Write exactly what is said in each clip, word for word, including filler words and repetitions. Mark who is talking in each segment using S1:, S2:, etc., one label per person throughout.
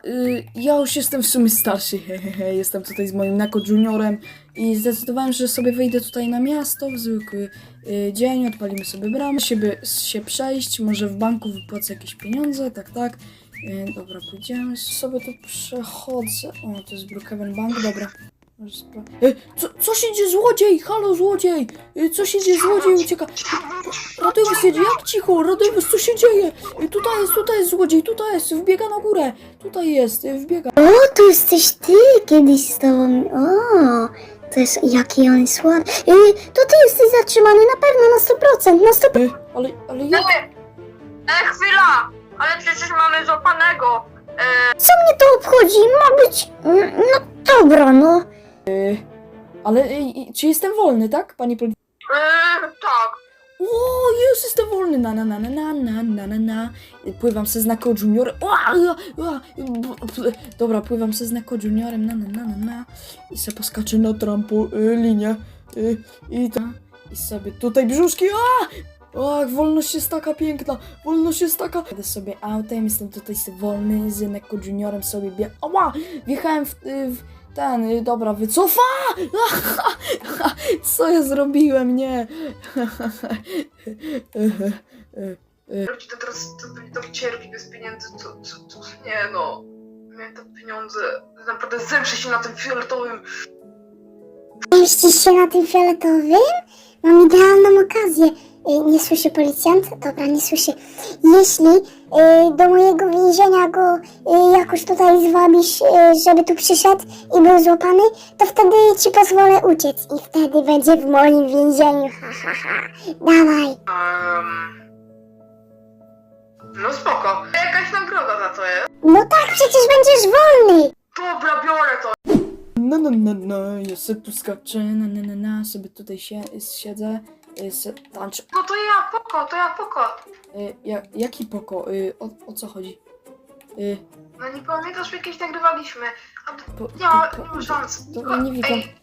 S1: y, ja już jestem w sumie starszy, hehehe, jestem tutaj z moim Neko Juniorem i zdecydowałem, że sobie wyjdę tutaj na miasto w zwykły y, dzień, odpalimy sobie bramę, siebie, się przejść, może w banku wypłacę jakieś pieniądze, tak, tak. Y, dobra, pójdziemy, sobie tu przechodzę, o, to jest Brookhaven Bank, dobra. Y, co, co się dzieje, złodziej, halo złodziej, y, co się dzieje, złodziej ucieka. Radojwys jedzie, jak cicho, Radojwys, co się dzieje? Y, tutaj jest, tutaj jest złodziej, tutaj jest, wbiega na górę, tutaj jest, y, wbiega.
S2: O, tu jesteś ty, kiedyś z tobą. O, to jest, jaki on jest ładny. Yy, to ty jesteś zatrzymany na pewno na sto procent, na sto procent.
S1: Y, ale, ale jak?
S3: E, chwila! Ale przecież mamy złapanego!
S2: Co mnie to obchodzi? Ma być... mm, No dobra, no.
S1: Ale, y, y, czy jestem wolny, tak, panie policjant?
S3: E, tak.
S1: O, jest, jestem wolny, na, na, na, na, na, na, na, na, na. Pływam se z Neko Juniorem, o, a, a, b- dobra, pływam se z Neko Juniorem, na, na, na, na, na. I se poskaczę na trampolinie, y, i to, i sobie tutaj brzuszki, a! Ach, wolność jest taka piękna, wolność jest taka. Jadę sobie autem, jestem tutaj sobie wolny, z Neko Juniorem sobie bieg... Ała! Wjechałem w, y, w ten, y, dobra, wycofa! Co ja zrobiłem? Nie.
S3: Ludzie to teraz to, to cierpi bez pieniędzy, to, to, to nie no. Miałem te pieniądze, naprawdę zemszę się na tym fioletowym.
S2: Mieścisz się na tym fioletowym? Mam idealną okazję. Yy, nie słyszy policjant? Dobra, nie słyszy. Jeśli yy, do mojego więzienia go yy, jakoś tutaj zwabisz, yy, żeby tu przyszedł i był złapany, to wtedy ci pozwolę uciec i wtedy będzie w moim więzieniu. Ha, ha, ha. Dawaj.
S3: Um, no spoko. Jakaś nagroda za to jest.
S2: No tak, przecież będziesz wolny.
S3: Dobra, biorę to.
S1: No, no, no, no, ja sobie tu skaczę, na, na, na, na, sobie tutaj się, siedzę, y, se, tańczę.
S3: No to ja, poko, to ja, poko.
S1: Y, ja, jaki poko? Y, o, o co chodzi? Y,
S3: No nie pamiętasz, jakieś nagrywaliśmy. A to,
S1: po,
S3: nie ma,
S1: po,
S3: nie ma szans.
S1: Dobra, nie widzę.
S3: Ej,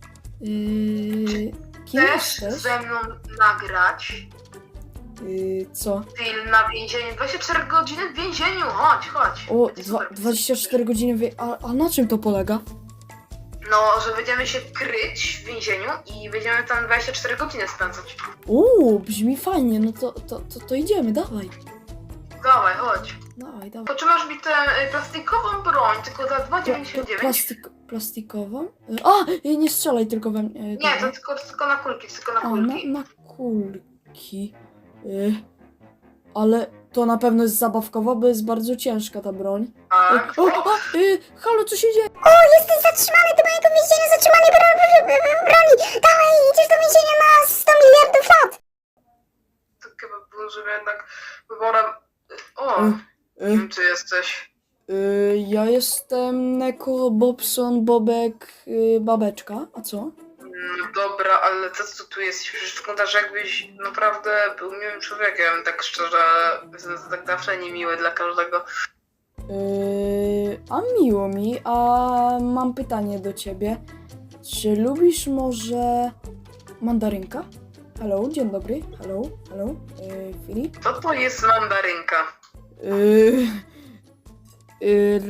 S1: Y, kim
S3: chcesz
S1: jesteś?
S3: ze mną nagrać
S1: Y, co?
S3: film na więzieniu? dwadzieścia cztery godziny w więzieniu, chodź, chodź.
S1: O,
S3: Będzie
S1: dwa,
S3: super.
S1: dwadzieścia cztery godziny, wy... a, a na czym to polega?
S3: No, że będziemy się kryć w więzieniu i będziemy tam dwadzieścia cztery godziny spędzać.
S1: Uuu, brzmi fajnie, no to, to, to, to idziemy, dawaj.
S3: Dawaj, chodź.
S1: Dawaj, dawaj.
S3: Potrzymasz mi tę y, plastikową broń, tylko za dwa
S1: Pla,
S3: dziewięćdziesiąt
S1: pla,
S3: dziewięć.
S1: plastik, plastikową? Y, A, y, nie strzelaj tylko we mnie. y,
S3: Nie,
S1: dobra.
S3: to tylko, tylko na kulki, tylko na
S1: A, na,
S3: kulki.
S1: na kulki. Y, ale to na pewno jest zabawkowa, bo jest bardzo ciężka ta broń.
S3: Tak.
S1: Y, o, o, y, halo, co się dzieje?
S2: O, jesteś zatrzymany do mojego więzienia, zatrzymany bro- bro- bro- broni. Dawaj, idziesz do więzienia na sto miliardów lat.
S3: To chyba było, że jednak wyborem... O,
S1: Y,
S3: nie
S1: y,
S3: wiem, czy jesteś.
S1: y, ja jestem Neko Bobson Bobek y, Babeczka, a co?
S3: No dobra, ale to co tu jest? Przecież wyglądasz jakbyś naprawdę był miłym człowiekiem, tak szczerze, z- tak zawsze niemiły dla każdego.
S1: Yy, a miło mi, a mam pytanie do ciebie. Czy lubisz może mandarynka? Hello, dzień dobry. Hello, hello. Yy, Filip?
S3: Co to jest mandarynka?
S1: Yy, yy,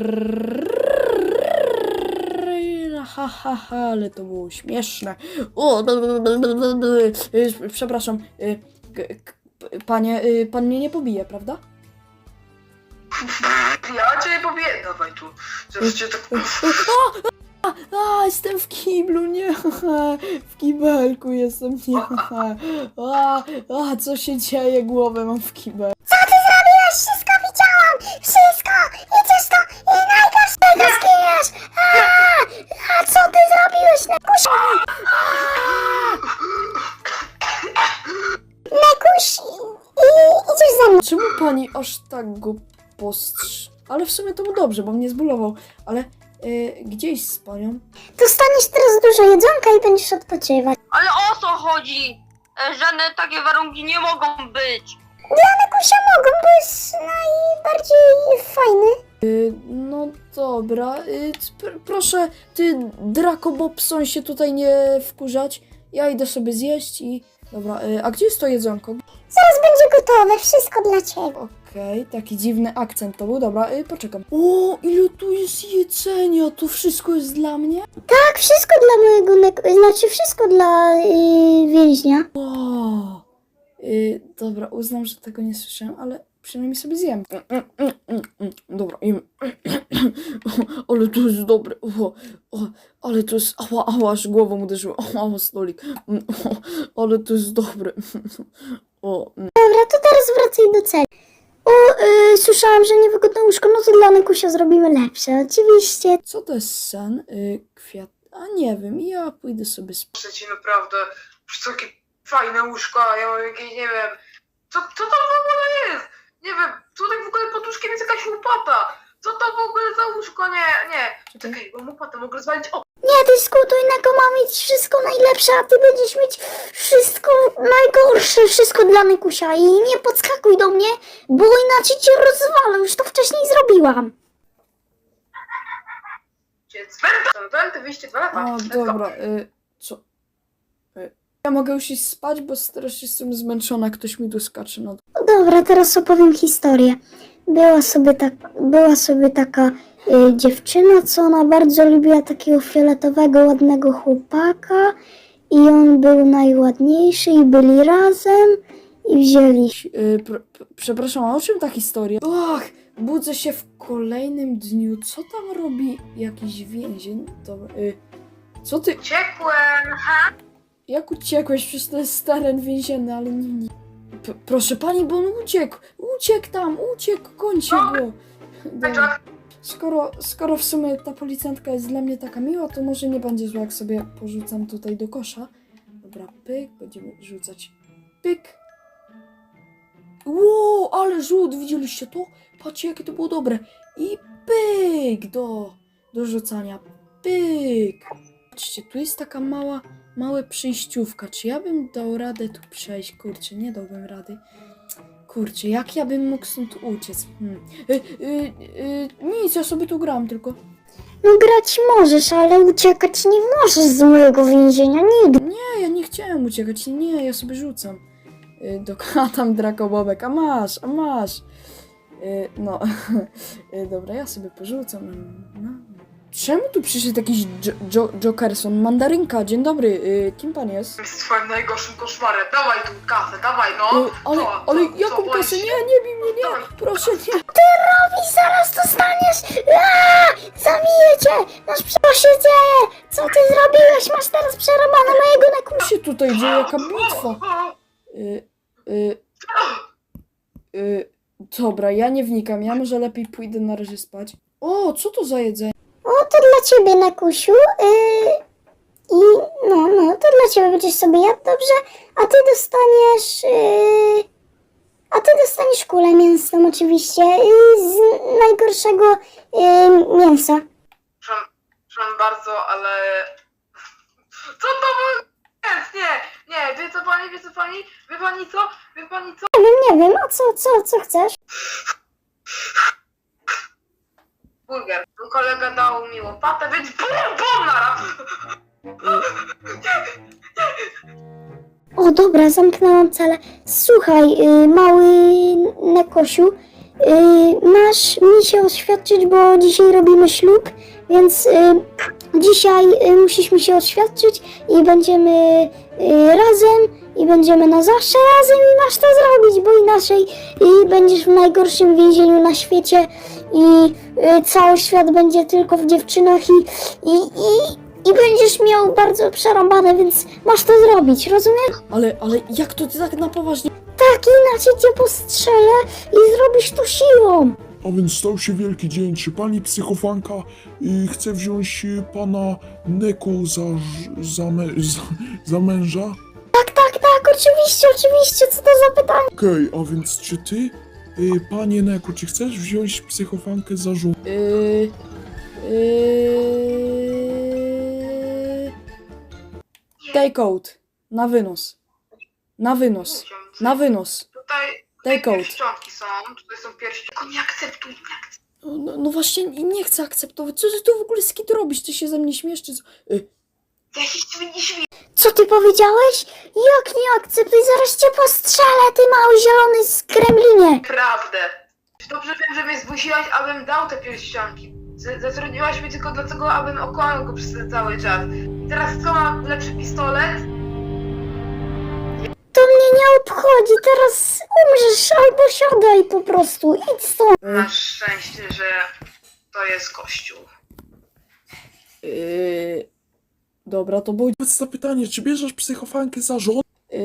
S1: ha, ha, ha, ale to było śmieszne. O, yy, przepraszam. Yy, k- k- panie, yy, pan mnie nie pobije, prawda?
S3: Ja cię powie... Dawaj tu, żebyś cię tak...
S1: A, jestem w kiblu, nie, w kibelku jestem, nie, a, a, co się dzieje, głowę mam w kibel.
S2: Co ty zrobiłeś? Wszystko widziałam! Wszystko! Idziesz to i najgorszego zginiesz! A, a co ty zrobiłeś, Nekuś? Nekuś, i, idziesz ze mną.
S1: Czemu pani aż tak go postrz... Ale w sumie to mu dobrze, bo mnie zbulował, ale y, gdzieś z panią?
S2: Dostaniesz teraz dużo jedzonka i będziesz odpoczywać.
S4: Ale o co chodzi? E, Żadne takie warunki nie mogą być.
S2: Dla Nekusia mogą, bo jest najbardziej fajny.
S1: Y, no dobra, y, pr proszę, ty Draco Bobson się tutaj nie wkurzać, ja idę sobie zjeść i... Dobra, y, a gdzie jest to jedzonko?
S2: Zaraz będzie gotowe, wszystko dla ciebie.
S1: Okej, taki dziwny akcent to był, dobra, y, poczekam. O, ile tu jest jedzenia, to wszystko jest dla mnie?
S2: Tak, wszystko dla mojego neko... Znaczy wszystko dla yy, więźnia.
S1: Wow. Y, dobra, uznam, że tego nie słyszałem, ale przynajmniej sobie zjem. Mm, mm, mm, mm, mm. Dobra, jem. Ale to jest dobre. O, o, ale to jest... Ała, ała, aż głową uderzyło. Ała, stolik. Mm, o, ale to jest dobre. O, mm.
S2: Dobra, to teraz wracaj do celi. O, yy, słyszałam, że niewygodne łóżko, no to dla Nekusia zrobimy lepsze, oczywiście.
S1: Co to jest sen? Y, kwiat... A nie wiem, ja pójdę sobie spać.
S3: Proszę ci naprawdę, już takie fajne łóżko, ja mam jakieś, nie wiem, co, co to w ogóle jest? Nie wiem, tutaj w ogóle pod łóżkiem jest jakaś łopata. Co to w ogóle za łóżko? Nie, nie.
S1: Czekaj.
S3: Czekaj, bo łopatę mogę rozwalić. O,
S2: Nie dyskutuj, Neko ma mieć wszystko najlepsze, a ty będziesz mieć wszystko najgorsze, wszystko dla Nekusia. I nie podskakuj do mnie, bo inaczej cię rozwalę, już to wcześniej zrobiłam.
S3: gdzie cwenta, cwenty, wyjście dwa lata.
S1: O,
S3: Let's go.
S1: dobra, y, co? Y, ja mogę już iść spać, bo teraz jestem zmęczona, ktoś mi tu skacze na...
S2: Dobra, teraz opowiem historię. Była sobie, tak, była sobie taka y, dziewczyna, co ona bardzo lubiła takiego fioletowego, ładnego chłopaka i on był najładniejszy i byli razem i wzięli się.
S1: Y, pr, pr, przepraszam, a o czym ta historia? Ach, budzę się w kolejnym dniu. Co tam robi jakiś więzień? Dobra, y, co ty...
S3: Uciekłem, ha? Jak
S1: Jak uciekłeś? Przecież to jest teren więzienny, ale nie... nie. P proszę pani, bo on uciekł! Uciekł tam! Uciekł! Kończę go! Dobra. Skoro, skoro w sumie ta policjantka jest dla mnie taka miła, to może nie będzie zła, jak sobie porzucam tutaj do kosza. Dobra, pyk, będziemy rzucać. Pyk! Ło, ale rzut! Widzieliście to? Patrzcie, jakie to było dobre. I pyk do, do rzucania. Pyk! Patrzcie, tu jest taka mała, mała przejściówka. Czy ja bym dał radę tu przejść? Kurczę, nie dałbym rady. Kurczę, jak ja bym mógł stąd uciec? Hmm. Y, y, y, nic, ja sobie tu gram tylko.
S2: No grać możesz, ale uciekać nie możesz z mojego więzienia nigdy.
S1: Nie, ja nie chciałem uciekać. Nie, ja sobie rzucam. Y, do a tam drakobobek. A masz, a masz. Y, no, y, dobra, ja sobie porzucam. No. Czemu tu przyszedł jakiś jo jo Jokerson? Mandarynka, dzień dobry. Y, kim pan jest?
S3: z twoim najgorszym koszmarem. Dawaj tu kasę, dawaj no.
S1: Y, ale,
S3: Co,
S1: ale
S3: co,
S1: jaką
S3: co,
S1: kasę?
S3: boisz
S1: Nie,
S3: się?
S1: nie bij mnie, nie.
S3: Dawaj.
S1: Proszę, nie.
S2: I zaraz dostaniesz! Aaa! Zabiję cię! Masz co się dzieje? Co ty zrobiłeś? Masz teraz przerobane mojego Nekusia.
S1: Co się tutaj dzieje? Jaka bitwa? Y, y, y, dobra, ja nie wnikam. Ja może lepiej pójdę na razie spać. O, co to za jedzenie?
S2: O, to dla ciebie, Nekusiu. Yy, I no, no, to dla ciebie będziesz sobie jadł, dobrze? A ty dostaniesz... Yy, a ty dostaniesz kulę mięsną oczywiście yy, z najgorszego yy, mięsa.
S3: Przepraszam, przepraszam bardzo, ale... Co to było? jest? Nie, nie, wie co pani, wie co pani? Wie pani co? Wie pani co?
S2: Nie wiem, nie wiem, a co, co, co chcesz?
S3: Burger. Kolega dał mi łopatę, więc bum, bum, naraz.
S2: O, dobra, zamknęłam celę. Słuchaj, yy, mały Nekosiu, yy, masz mi się oświadczyć, bo dzisiaj robimy ślub, więc yy, dzisiaj yy, musisz mi się oświadczyć i będziemy yy, razem i będziemy na zawsze razem i masz to zrobić, bo inaczej yy, będziesz w najgorszym więzieniu na świecie i yy, cały świat będzie tylko w dziewczynach i, i, i I będziesz miał bardzo przerąbane, więc masz to zrobić, rozumiesz?
S1: Ale, ale jak to ty tak na poważnie?
S2: Tak, inaczej cię postrzelę i zrobisz to siłą.
S5: A więc stał się wielki dzień. Czy pani psychofanka y, chce wziąć y, pana Neko za, ż- za, me, za, za męża?
S2: Tak, tak, tak, oczywiście, oczywiście, co to za pytanie?
S5: Okej, a więc czy ty, y, panie Neko, czy chcesz wziąć psychofankę za żonę?
S1: Yy, yy, take out. Na wynos. Na wynos. Na wynos.
S3: Tutaj,
S1: Take
S3: tutaj
S1: out.
S3: pierścionki są, tutaj są pierścionki. Tylko nie akceptuj, nie akceptuj.
S1: No, no właśnie nie nie chcę akceptować. Co ty tu w ogóle z kit robisz? Ty się ze mnie śmiesz, czy co? Y,
S3: Jakiś świni świn.
S2: Co ty powiedziałeś? Jak nie akceptuj, zaraz cię postrzelę, ty mały zielony skremlinie.
S3: Prawdę. Dobrze wiem, że mnie zmusiłaś, abym dał te pierścionki. Z- Zatrudniłaś mnie tylko dlatego, abym okłamał go przez ten cały czas. Teraz co, mam lepszy pistolet?
S2: To mnie nie obchodzi, teraz umrzesz albo siadaj po prostu, idź stąd.
S3: Masz szczęście, że to jest kościół.
S1: Yy, dobra, to był...
S5: Powiedz zapytanie, czy bierzesz psychofankę za żonę?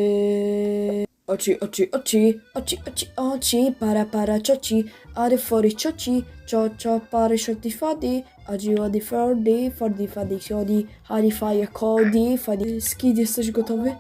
S1: Yy, oci, oci, oci, oci, oci, oci, para, para, cioci, ary, fory, cioci, cio, cio, pary, shoti, fadi, adzi, wadi, fordi, fordi, fadi, siodi, hari, faje, kodi, fadi. Skid, jesteś gotowy?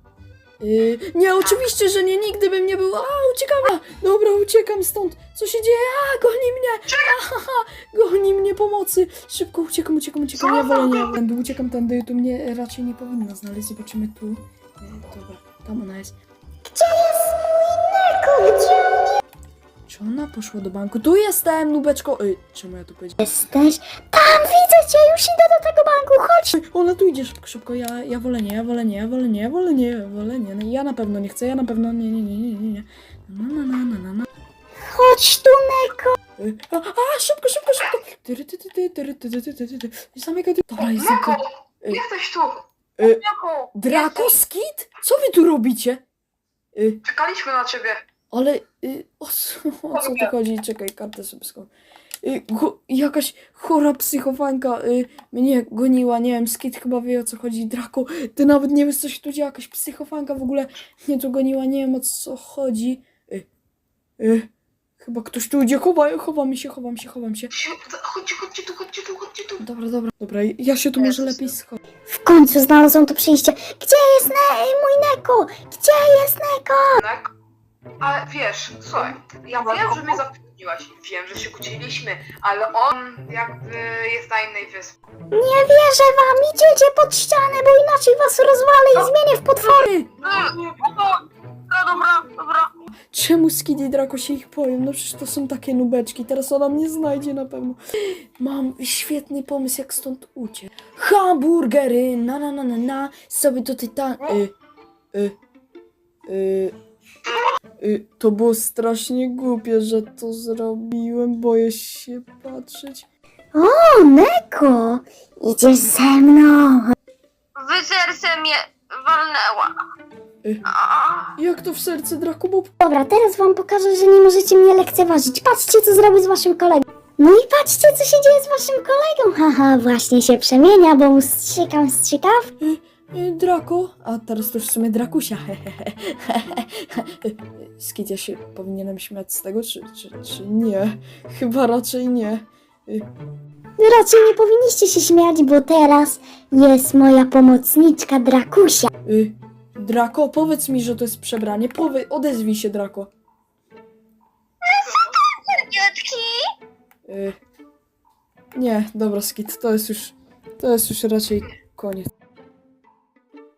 S1: Yy, nie, oczywiście, że nie, nigdy bym nie był. A, uciekam! A, dobra, uciekam stąd. Co się dzieje? A, goni mnie! Aha, goni mnie pomocy! Szybko uciekam, uciekam, uciekam. Ja wolę nie. Tędy, uciekam tędy, tu mnie raczej nie powinno znaleźć. Zobaczymy tu. Yy, dobra, tam ona jest.
S2: Gdzie jest mój Neko? Gdzie on
S1: Czy ona poszła do banku? Tu jestem, nubeczko! Ej, czemu ja tu powiedziałem?
S2: jesteś? Tam, widzę cię, już idę do tego banku, chodź.
S1: Ej, ona tu idzie szybko, szybko. Ja, ja wolę nie, ja wolę nie, ja wolę nie, ja wolę nie, ja wolę nie. No, ja na pewno nie chcę, ja na pewno nie, nie, nie, nie, nie, nie. Na, na, na, na, na, na.
S2: Chodź tu, Neko.
S1: Ej, A, a, szybko, szybko, szybko! Tyry, ty, ty, ty, tyry, ty, ty, ty, ty, ty, ty. Zamykaj ty. Dobra, jestem tu.
S3: Mako!
S1: Ej.
S3: Jesteś tu!
S1: Ej.
S3: Mako!
S1: Draco, Skid? Co wy tu robicie? Y,
S3: Czekaliśmy na ciebie.
S1: ale y, o, co, o co tu chodzi? Czekaj, kartę sobie skąd. Y, go, jakaś chora psychofanka y, mnie goniła, nie wiem, Skid chyba wie o co chodzi. Draco, ty nawet nie wiesz co się tu dzieje, jakaś psychofanka w ogóle mnie tu goniła, nie wiem o co chodzi. Y, y, chyba ktoś tu idzie, chowa, chowam się, chowam się, chowam się.
S3: Chodźcie, chodźcie tu, chodźcie tu, chodźcie tu.
S1: Dobra, dobra, dobra, ja się tu może lepiej schować.
S2: W końcu znalazłam to przyjście. Gdzie jest ne mój Neko? Gdzie jest Neko?
S3: Tak? Ale wiesz, słuchaj, ja wiem, że mnie zatrudniłaś, wiem, że się kłóciliśmy, ale on jakby jest na innej wyspie.
S2: Nie wierzę wam, idziecie pod ścianę, bo inaczej was rozwalę i zmienię w potwory.
S1: Ej,
S4: No, no dobra, dobra.
S1: czemu Skid i Draco się ich boją? No przecież to są takie nubeczki, teraz ona mnie znajdzie na pewno. Mam świetny pomysł, jak stąd uciec. Hamburgery, na na na na na, sobie tutaj ta... Y, y, y, y, to było strasznie głupie, że to zrobiłem, boję się patrzeć.
S2: O, Neko, idziesz ze mną.
S4: Wy serce mnie walnęła.
S1: Y.
S4: A,
S1: Jak to w serce, Draco, bo...
S2: Dobra, teraz wam pokażę, że nie możecie mnie lekceważyć. Patrzcie, co zrobię z waszym kolegą. No i patrzcie, co się dzieje z waszym kolegą. Haha, właśnie się przemienia, bo mu strzykam strzykaw.
S1: Y, Draco, a teraz to już w sumie Drakusia. Skid, ja się powinienem śmiać z tego, czy, czy, czy nie? Chyba raczej nie. Y,
S2: Raczej nie powinniście się śmiać, bo teraz jest moja pomocniczka Drakusia.
S1: y, Draco, powiedz mi, że to jest przebranie. Powie, odezwij się, Draco.
S4: dziecki.
S1: Y, nie, dobra, Skid, to jest już, to jest już raczej koniec.